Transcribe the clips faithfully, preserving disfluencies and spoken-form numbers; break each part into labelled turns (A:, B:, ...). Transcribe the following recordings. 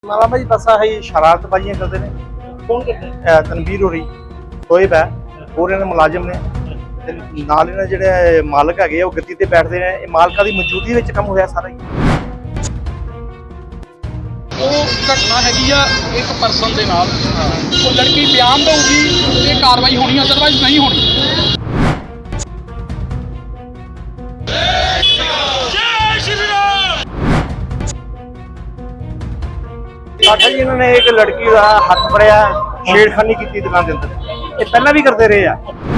A: ਮਾਲਾ ਭਾਜੀ ਬਸ ਆਹੀ ਸ਼ਰਾਰਤਬਾਜ਼ੀਆਂ ਕਰਦੇ ਨੇ।
B: ਕੌਣ ਕਰਦਾ ਹੈ?
A: ਇਹ ਤਨਵੀਰ ਹੋਰੀ ਸੋਇਬ ਹੈ, ਹੋਰ ਇਹਨਾਂ ਦੇ ਮੁਲਾਜ਼ਮ ਨੇ ਤੇ ਨਾਲ ਇਹਨਾਂ ਦੇ ਜਿਹੜੇ ਮਾਲਕ ਹੈਗੇ ਆ ਉਹ ਗੱਦੀ ਤੇ ਬੈਠਦੇ ਨੇ। ਇਹ ਮਾਲਕਾਂ ਦੀ ਮੌਜੂਦਗੀ ਵਿੱਚ ਕੰਮ ਹੋਇਆ ਸਾਰਾ ਹੀ।
B: ਉਹ ਘਟਨਾ ਹੈਗੀ ਆ ਇੱਕ ਪਰਸਨ ਦੇ ਨਾਲ, ਉਹ ਲੜਕੀ ਬਿਆਨ ਦਊਗੀ ਤੇ ਕਾਰਵਾਈ ਹੋਣੀ, ਅਦਰਵਾਈਜ਼ ਨਹੀਂ ਹੋਣੀ।
A: ਆਖਿਆ ਜੀ ਇਹਨਾਂ ਨੇ ਇੱਕ ਲੜਕੀ ਦਾ ਹੱਥ ਫੜਿਆ, ਛੇੜਖਾਨੀ ਕੀਤੀ ਦੁਕਾਨ ਦੇ ਅੰਦਰ। ਇਹ ਪਹਿਲਾਂ ਵੀ ਕਰਦੇ ਰਹੇ ਆ।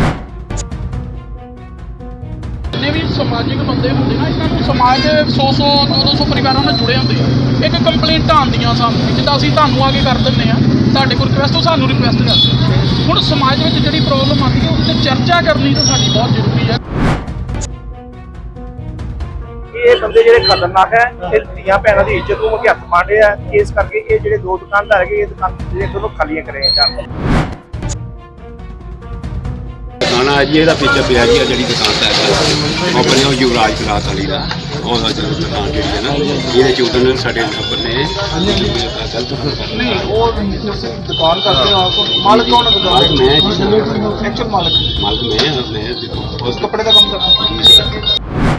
B: ਜਿੰਨੇ ਵੀ ਸਮਾਜਿਕ ਬੰਦੇ ਹੁੰਦੇ ਨਾ, ਇਹਨਾਂ ਨੂੰ ਸਮਾਜ ਸੌ ਸੌ ਦੋ ਦੋ ਸੌ ਪਰਿਵਾਰਾਂ ਨਾਲ ਜੁੜੇ ਹੁੰਦੇ ਆ। ਇੱਕ ਕੰਪਲੇਂਟਾਂ ਆਉਂਦੀਆਂ ਸਾਨੂੰ, ਜਿੱਦਾਂ ਅਸੀਂ ਤੁਹਾਨੂੰ ਆ ਕੇ ਕਰ ਦਿੰਦੇ ਆ, ਤੁਹਾਡੇ ਕੋਲ ਰਿਕੁਐਸਟ, ਉਹ ਸਾਨੂੰ ਰਿਕੁਐਸਟ ਕਰਦੇ। ਹੁਣ ਸਮਾਜ ਵਿੱਚ ਜਿਹੜੀ ਪ੍ਰੋਬਲਮ ਆਉਂਦੀ ਹੈ ਉਹਦੇ 'ਤੇ ਚਰਚਾ ਕਰਨੀ ਤਾਂ ਸਾਡੀ ਬਹੁਤ ਜ਼ਰੂਰੀ ਹੈ।
A: ਇਹ ਬੰਦੇ ਜਿਹੜੇ ਖਤਰਨਾਕ ਹੈ, ਇਹ ਧੀਆਂ ਭੈਣਾਂ ਦੀ ਇੱਜ਼ਤ ਨੂੰ ਹੱਥ ਮਾਰਦੇ ਆ। ਇਸ ਕਰਕੇ ਇਹ ਜਿਹੜੇ ਦੋ ਦੁਕਾਨਦਾਰ ਹੈਗੇ, ਇਹ ਦੁਕਾਨ ਜਿਹੜੇ ਦੋਨੋਂ ਖਾਲੀਆਂ ਕਰੇ ਜਾਣ।
C: ਦੁਕਾਨ ਹੈ ਜੀ, ਇਹਦਾ ਪਿੱਛੇ ਪਿਆ ਜੀ ਜਿਹੜੀ ਦੁਕਾਨ ਦਾ ਹੈਗਾ ਆਪਣੇ ਉਹ ਯੁਵਰਾਜ ਕਲਾਸ ਵਾਲੀ ਦਾ, ਉਹਦਾ ਜਦੋਂ ਦੁਕਾਨ ਜਿਹੜੀ ਹੈ ਨਾ, ਇਹਦੇ ਚ ਉਦੋਂ ਸਾਡੇ ਨੰਬਰ ਨੇ ਗਲਤ ਫਰਕ
A: ਨਹੀਂ, ਉਹ ਤੁਸੀਂ ਦੁਕਾਨ ਕਰਦੇ ਹੋ, ਮਾਲਕ ਕੌਣ ਹੈ ਦੁਕਾਨ
C: ਮਾਲਕ ਮੈਂ ਜੀ,
A: ਐਕਚੁਅਲ ਮਾਲਕ
C: ਮਾਲਕ ਮੈਂ ਮੈਂ
A: ਉਸ ਕੱਪੜੇ ਦਾ ਕੰਮ ਕਰਦਾ।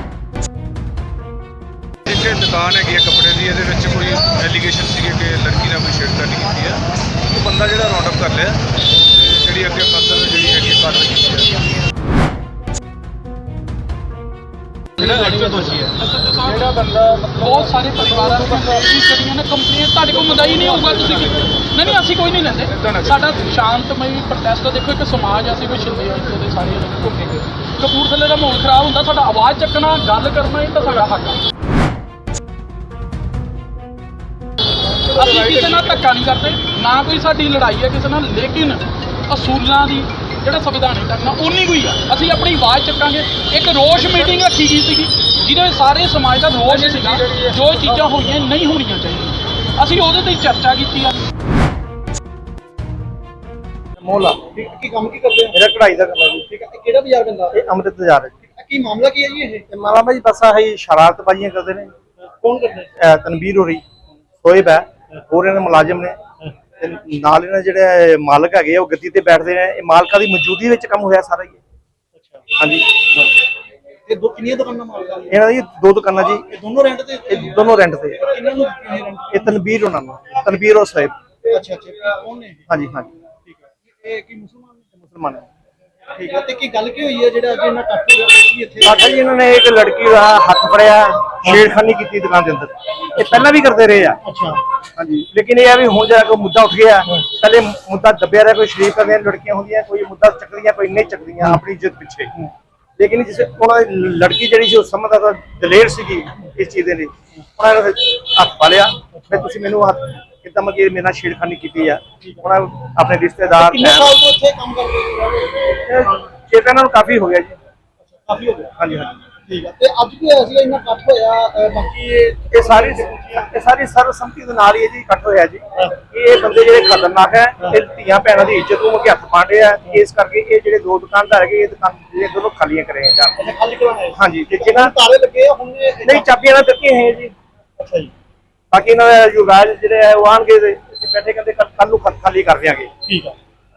D: ਇੱਕ ਦੁਕਾਨ ਹੈਗੀ ਹੈ ਕੱਪੜੇ ਦੀ, ਇਹਦੇ ਵਿੱਚ ਕੋਈ ਐਲੀਗੇਸ਼ਨ ਸੀਗੇ ਕਿ ਲੜਕੀ ਨਾਲ ਕੋਈ ਛੇੜਖਾਨੀ ਕੀਤੀ ਹੈ। ਉਹ ਬੰਦਾ ਜਿਹੜਾ ਰਾਉਂਡ ਅਪ ਕਰ ਲਿਆ ਤੇ ਜਿਹੜੀ ਅੱਗੇ ਫਰਦਰ ਜਿਹੜੀ ਹੈਗੀ ਹੈ ਕਾਰਵਾਈ ਕੀਤੀ ਹੈ। ਜਿਹੜਾ ਲੜਕੀ ਦੋਸ਼ੀ ਹੈ,
B: ਜਿਹੜਾ ਬੰਦਾ ਬਹੁਤ ਸਾਰੇ ਪਰਿਵਾਰਾਂ ਨੂੰ ਜਿਹੜੀਆਂ ਨੇ ਕੰਪਨੀਆਂ ਤੁਹਾਡੇ ਕੋਲ ਮਦਾਈ ਨਹੀਂ ਹੋਊਗਾ, ਤੁਸੀਂ ਕੀ ਨਹੀਂ ਨਹੀਂ ਅਸੀਂ ਕੋਈ ਨਹੀਂ ਲੈਂਦੇ। ਸਾਡਾ ਸ਼ਾਂਤਮਈ ਪ੍ਰੋਟੈਸਟ ਦੇਖੋ, ਇੱਕ ਸਮਾਜ ਅਸੀਂ ਕੋਈ ਛਿੰਦੇ ਆ ਇੱਥੇ ਦੇ ਸਾਰੇ ਘੁੰਮੇ ਗਏ। ਕਪੂਰਥਲੇ ਦਾ ਮਾਹੌਲ ਖਰਾਬ ਹੁੰਦਾ, ਸਾਡਾ ਆਵਾਜ਼ ਚੱਕਣਾ, ਗੱਲ ਕਰਨਾ, ਇਹ ਤਾਂ ਸਾਡਾ ਹੱਕ ਹੈ। ਅਸੀਂ ਕਿਸੇ ਨਾਲ ਧੱਕਾ ਨਹੀਂ ਕਰਦੇ, ਨਾ ਕੋਈ ਸਾਡੀ ਲੜਾਈ ਹੈ ਕਿਸੇ ਨਾਲ, ਲੇਕਿਨ ਅਸੂਲਾਂ ਦੀ ਜਿਹੜਾ ਸੰਵਿਧਾਨਿਕ ਢੰਗ ਨਾਲ ਉਨੀ ਕੋਈ ਆ। ਅਸੀਂ ਆਪਣੀ ਆਵਾਜ਼ ਚੱਕਾਂਗੇ। ਇੱਕ ਰੋਸ਼ ਮੀਟਿੰਗ ਰੱਖੀ ਗਈ ਸੀਗੀ, ਜਿਹਦੇ ਸਾਰੇ ਸਮਾਜ ਦਾ ਰੋਸ਼ ਸੀਗਾ, ਜੋ ਚੀਜ਼ਾਂ ਹੋਈਆਂ ਨਹੀਂ ਹੋਣੀਆਂ ਚਾਹੀਦੀਆਂ। ਅਸੀਂ ਉਹਦੇ ਤੇ ਚਰਚਾ ਕੀਤੀ ਆ।
A: ਮੋਲਾ
B: ਕੀ ਕੰਮ ਕੀ ਕਰਦੇ
A: ਮੇਰਾ ਕਢਾਈ ਦਾ ਕੰਮ ਹੈ ਜੀ।
B: ਠੀਕ ਹੈ, ਕਿਹੜਾ ਬਾਜ਼ਾਰ ਪੈਂਦਾ?
A: ਇਹ ਅੰਮ੍ਰਿਤ ਬਾਜ਼ਾਰ ਹੈ ਜੀ।
B: ਕੀ ਮਾਮਲਾ ਕੀ ਹੈ ਜੀ ਇਹ?
A: ਇਹ ਮਾਲਾ ਭਾਜੀ ਬਸ ਆਹੀ ਸ਼ਰਾਰਤਬਾਜ਼ੀਆਂ ਕਰਦੇ ਨੇ।
B: ਕੌਣ ਕਰਦਾ ਹੈ?
A: ਇਹ ਤਨਵੀਰ ਹੋਰੀ ਸੋਇਬ ਹੈ, ਹੋਰ ਇਹਨਾਂ ਦੇ ਮੁਲਾਜ਼ਮ ਨੇ ਤੇ ਨਾਲ ਇਹਨਾਂ ਦੇ ਜਿਹੜੇ ਮਾਲਕ ਹੈਗੇ ਆ ਉਹ ਗੱਦੀ ਤੇ ਬੈਠਦੇ ਨੇ। ਇਹ ਮਾਲਕਾਂ ਦੀ ਮੌਜੂਦਗੀ ਵਿੱਚ ਕੰਮ ਹੋਇਆ ਸਾਰਾ ਹੀ।
B: ਅੱਛਾ,
A: ਹਾਂਜੀ,
B: ਇਹ ਦੋ ਕਿੰਨੀਆਂ ਦੁਕਾਨਾਂ ਮਾਲਕਾਂ ਦੀਆਂ?
A: ਇਹਨਾਂ ਦੀ ਦੋ ਦੁਕਾਨਾਂ ਜੀ,
B: ਇਹ ਦੋਨੋਂ ਰੈਂਟ ਤੇ?
A: ਇਹ ਦੋਨੋਂ ਰੈਂਟ ਤੇ।
B: ਕਿੰਨਾਂ ਨੂੰ ਦਿੱਤੀਆਂ ਇਹ ਰੈਂਟ?
A: ਇਹ ਤਨਵੀਰ ਉਹਨਾਂ ਨੂੰ, ਤਨਵੀਰ ਉਹ ਸਾਹਿਬ।
B: ਅੱਛਾ ਅੱਛਾ, ਕੌਣ ਨੇ ਇਹ?
A: ਹਾਂਜੀ ਹਾਂਜੀ,
B: ਠੀਕ ਹੈ। ਇਹ ਕੀ ਮੁਸਲਮਾਨ ਨੇ?
A: ਮੁਸਲਮਾਨ ਹੈ।
B: ਠੀਕ ਹੈ, ਤੇ ਕੀ ਗੱਲ ਕੀ ਹੋਈ ਹੈ ਜਿਹੜਾ ਅੱਜ ਇਹਨਾਂ ਕੱਟ ਹੋਇਆ ਕੀ ਇੱਥੇ?
A: ਆਖਿਆ ਜੀ ਇਹਨਾਂ ਨੇ ਇੱਕ ਲੜਕੀ ਦਾ ਹੱਥ ਫੜਿਆ, ਛੇੜਖਾਨੀ ਕੀਤੀ ਦੁਕਾਨ ਦੇ ਅੰਦਰ। ਇਹ ਪਹਿਲਾਂ ਵੀ ਕਰਦੇ ਰਹੇ ਆ।
B: ਅੱਛਾ,
A: ਹਾਂਜੀ, ਲੇਕਿਨ ਇਹ ਆ ਵੀ ਹੁਣ ਜਿਹੜਾ ਕੋਈ ਮੁੱਦਾ ਉੱਠ ਗਿਆ, ਪਹਿਲੇ ਮੁੱਦਾ ਦੱਬਿਆ ਰਿਹਾ। ਕੋਈ ਸ਼ਰੀਫ ਕਰਦੀਆਂ ਲੜਕੀਆਂ ਹੁੰਦੀਆਂ, ਕੋਈ ਮੁੱਦਾ ਚੱਕਦੀਆਂ, ਕੋਈ ਨਹੀਂ ਚੱਕਦੀਆਂ ਆਪਣੀ ਇੱਜ਼ਤ ਪਿੱਛੇ। ਲੇਕਿਨ ਜਿਸ ਉਹਨਾਂ ਦੀ ਲੜਕੀ ਜਿਹੜੀ ਸੀ ਉਹ ਸਮਝਦਾ ਤਾਂ ਦਲੇਰ ਸੀਗੀ ਇਸ ਚੀਜ਼ ਦੇ ਲਈ, ਉਹਨਾਂ ਨੇ ਹੱਥ ਪਾ ਲਿਆ। ਫਿਰ ਤੁਸੀਂ ਮੈਨੂੰ ਹੱਥ ਕਿੱਦਾਂ ਮਤਲਬ ਮੇਰੇ ਨਾਲ ਛੇੜਖਾਨੀ ਕੀਤੀ ਆ। ਉਹਨਾਂ ਆਪਣੇ ਰਿਸ਼ਤੇਦਾਰ
B: ਕਿੰਨੇ ਸਾਲ ਤੋਂ ਇੱਥੇ ਕੰਮ ਕਰ ਰਹੇ ਹੋ?
A: ਚੇਤਾ ਇਹਨਾਂ ਨੂੰ ਕਾਫੀ ਹੋ ਗਿਆ ਜੀ।
B: ਕਾਫੀ ਹੋ ਗਿਆ।
A: ਹਾਂਜੀ ਹਾਂਜੀ,
B: ਠੀਕ ਹੈ, ਤੇ ਅੱਜ ਕੀ ਹੋਇਆ ਸੀ ਇੰਨਾ ਕੱਟ ਹੋਇਆ? ਅਹ ਬਾਕੀ ਇਹ
A: ਇਹ ਸਾਰੀ ਇਹ ਸਾਰੀ ਸਰਬਸੰਮਤੀ ਦੇ ਨਾਲ ਹੀ ਇਹ ਜੀ ਇਕੱਠ ਹੋਇਆ ਜੀ। ਇਹ ਬੰਦੇ ਜਿਹੜੇ ਖਤਰਨਾਕ ਹੈ, ਇਹ ਧੀਆਂ ਭੈਣਾਂ ਦੀ ਇੱਜ਼ਤ ਨੂੰ ਹੱਥ ਪਾਉਂਦੇ ਆ। ਇਸ ਕਰਕੇ ਇਹ ਜਿਹੜੇ ਦੋ ਦੁਕਾਨਦਾਰ ਹੈਗੇ, ਇਹ ਦੁਕਾਨ ਜਿਹੜੇ ਦੋਨੋਂ ਖਾਲੀਆਂ ਕਰੇ ਜਾਣ।
B: ਖਾਲੀ ਕਰਵਾਉਣਾ ਹੈ?
A: ਹਾਂਜੀ, ਤੇ ਜਿਹਨਾਂ
B: ਤਾਲੇ ਲੱਗੇ ਆ ਹੁਣ? ਇਹ-
A: ਨਹੀਂ, ਚਾਬੀਆਂ ਨਾਲ ਦਿੱਤੀਆਂ ਹੈ ਜੀ।
B: ਅੱਛਾ ਜੀ,
A: ਬਾਕੀ ਇਹਨਾਂ ਦਾ ਯੁਵਰਾਜ ਜਿਹੜੇ ਹੈ ਉਹ ਆਣਗੇ ਤੇ ਬੈਠੇ ਕਹਿੰਦੇ ਕੱਲ ਨੂੰ ਖਾਲੀ ਕਰ ਦਿਆਂਗੇ।
B: ਠੀਕ ਹੈ।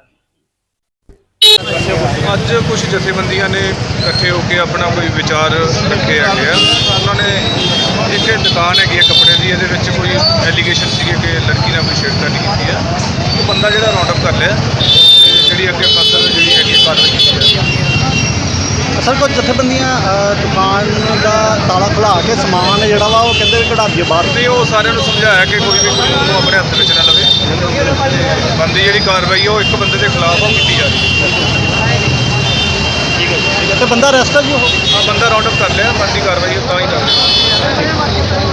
D: ਅੱਜ ਕੁਝ ਜਥੇਬੰਦੀਆਂ ਨੇ ਇਕੱਠੇ ਹੋ ਕੇ ਆਪਣਾ ਕੋਈ ਵਿਚਾਰ ਰੱਖੇ ਹੈਗੇ ਆ। ਉਹਨਾਂ ਨੇ ਇੱਕ ਦੁਕਾਨ ਹੈਗੀ ਹੈ ਕੱਪੜੇ ਦੀ, ਇਹਦੇ ਵਿੱਚ ਕੋਈ ਐਲੀਗੇਸ਼ਨ ਸੀਗੇ ਕਿ ਲੜਕੀ ਨਾਲ ਕੋਈ ਛੇੜਖਾਨੀ ਕੀਤੀ ਹੈ। ਉਹ ਬੰਦਾ ਜਿਹੜਾ ਰਾਉਂਡ ਅਪ ਕਰ ਲਿਆ ਤੇ ਜਿਹੜੀ ਅੱਗੇ ਫਰਦਰ ਜਿਹੜੀ ਹੈਗੀ ਹੈ ਕਾਰਵਾਈ ਕੀਤੀ ਹੈ।
E: ਅਸਲ ਕੁਝ ਜਥੇਬੰਦੀਆਂ ਅ, ਦੁਕਾਨ ਦਾ ਤਾਲਾ ਖੁਲਾ ਕੇ ਸਮਾਨ ਜਿਹੜਾ ਵਾ ਉਹ ਕਹਿੰਦੇ ਵੀ ਕਢਾ ਦਈਏ ਬਾਹਰ।
D: ਤੇ ਉਹ ਸਾਰਿਆਂ ਨੂੰ ਸਮਝਾਇਆ ਕਿ ਕੋਈ ਵੀ ਕਾਨੂੰਨ ਨੂੰ ਆਪਣੇ ਹੱਥ ਵਿੱਚ ਨਾ ਲਵੇ। ਬੰਦੀ ਜਿਹੜੀ ਕਾਰਵਾਈ ਹੈ ਉਹ ਇੱਕ ਬੰਦੇ ਦੇ ਖਿਲਾਫ ਉਹ ਕੀਤੀ ਜਾ ਰਹੀ ਹੈ।
E: ਤੇ ਬੰਦਾ ਅਰੈਸਟ ਹੈ ਜੀ ਉਹ?
D: ਆ ਬੰਦਾ ਰਾਉਂਡ ਅਪ ਕਰ ਲਿਆ, ਬੰਦੀ ਕਾਰਵਾਈ ਉਹ ਤਾਂ ਹੀ ਕਰ ਰਹੇ।